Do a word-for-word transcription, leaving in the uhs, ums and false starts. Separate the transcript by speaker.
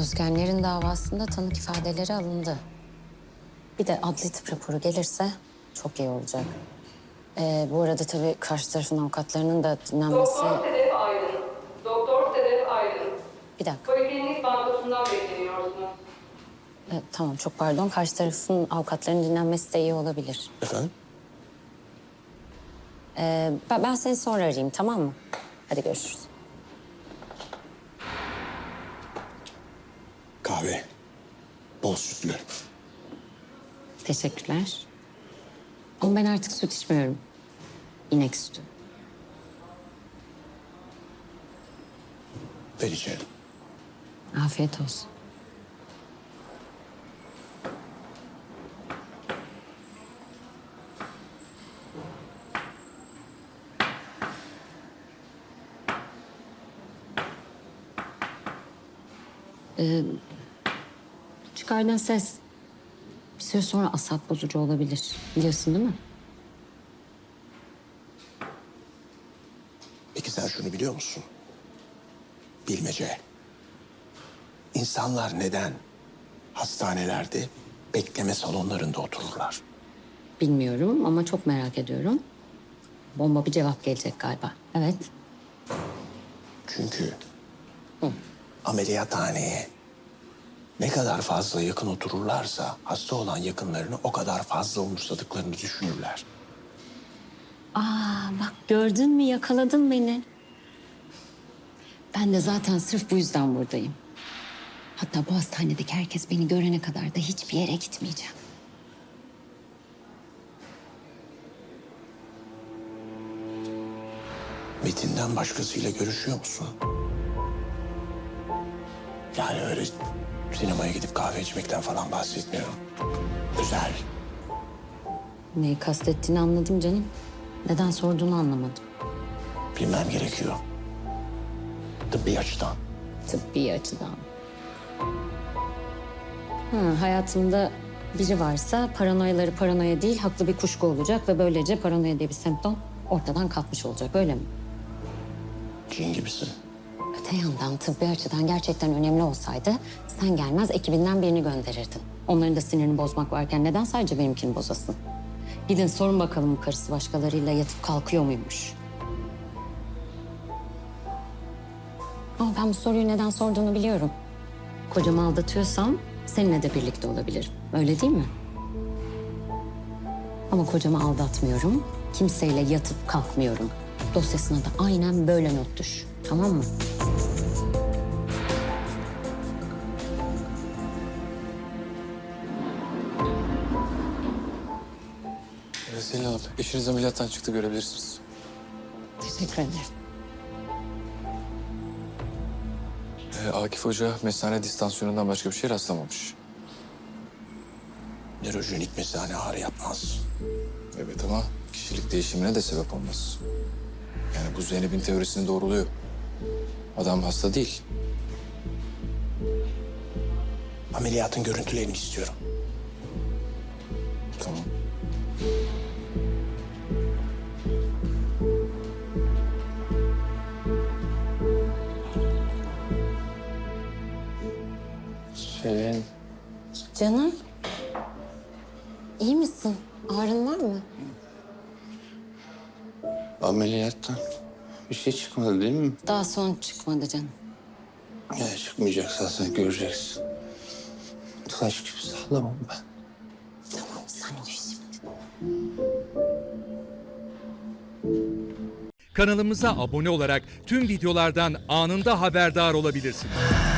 Speaker 1: Özgenlerin davasında tanık ifadeleri alındı. Bir de adli tıp raporu gelirse çok iyi olacak. Ee, bu arada tabii karşı tarafın avukatlarının da dinlenmesi...
Speaker 2: Doktor Sedef Aydın. Doktor Sedef Aydın.
Speaker 1: Bir dakika.
Speaker 2: Poliklinik bankosundan bekleniyorsunuz.
Speaker 1: Ee, tamam, çok pardon. Karşı tarafın avukatlarının dinlenmesi de iyi olabilir.
Speaker 3: Efendim?
Speaker 1: Ee, ben, ben seni sonra arayayım, tamam mı? Hadi görüşürüz.
Speaker 3: Kahve. Bol sütlü.
Speaker 1: Teşekkürler. Ama ben artık süt içmiyorum. İnek sütü.
Speaker 3: Ben içerim.
Speaker 1: Afiyet olsun. Ee, çıkardığın ses bir süre sonra asap bozucu olabilir. Biliyorsun değil mi?
Speaker 3: Peki sen şunu biliyor musun? Bilmece. İnsanlar neden hastanelerde bekleme salonlarında otururlar?
Speaker 1: Bilmiyorum ama çok merak ediyorum. Bomba bir cevap gelecek galiba. Evet.
Speaker 3: Çünkü ameliyathaneye ne kadar fazla yakın otururlarsa hasta olan yakınlarını o kadar fazla umursadıklarını düşünürler.
Speaker 1: Aa bak, gördün mü, yakaladın beni. Ben de zaten sırf bu yüzden buradayım. Hatta bu hastanedeki herkes beni görene kadar da hiçbir yere gitmeyeceğim.
Speaker 3: Metin'den başkasıyla görüşüyor musun? Yani öyle sinemaya gidip kahve içmekten falan bahsetmiyorum. Özel.
Speaker 1: Neyi kastettiğini anladım canım. Neden sorduğunu anlamadım.
Speaker 3: Bilmem gerekiyor. Tıbbi açıdan.
Speaker 1: Tıbbi açıdan. Hı, hayatımda biri varsa paranoyaları paranoya değil, haklı bir kuşku olacak ve böylece paranoya diye bir semptom ortadan kalkmış olacak, öyle mi?
Speaker 3: Cin gibisin.
Speaker 1: Öte yandan tıbbi açıdan gerçekten önemli olsaydı sen gelmez ekibinden birini gönderirdin. Onların da sinirini bozmak varken neden sadece benimkini bozasın? Gidin sorun bakalım, bu karısı başkalarıyla yatıp kalkıyor muymuş? Ama ben bu soruyu neden sorduğunu biliyorum. Kocamı aldatıyorsam seninle de birlikte olabilirim. Öyle değil mi? Ama kocamı aldatmıyorum. Kimseyle yatıp kalkmıyorum. Dosyasına da aynen böyle not düş. Tamam mı?
Speaker 4: Evet, Selin Hanım, eşiniz ameliyattan çıktı, görebilirsiniz.
Speaker 1: Teşekkür ederim.
Speaker 4: Ee, Akif Hoca mesane distansiyonundan başka bir şey rastlamamış.
Speaker 3: Nörojenik mesane ağrı yapmaz.
Speaker 4: Evet ama kişilik değişimine de sebep olmaz. Yani bu Zeynep'in teorisini doğruluyor. Adam hasta değil.
Speaker 3: Ameliyatın görüntülerini istiyorum.
Speaker 4: Tamam.
Speaker 5: Selin,
Speaker 1: Canım. İyi misin? Ağrın var mı?
Speaker 5: ameliyattan bir şey çıkmadı değil mi?
Speaker 1: Daha son çıkmadı canım.
Speaker 5: Ya çıkmayacaksa sen göreceksin. Taş gibi sağlamam ben.
Speaker 1: Tamam, sen uyu şimdi.
Speaker 6: Kanalımıza abone olarak tüm videolardan anında haberdar olabilirsiniz.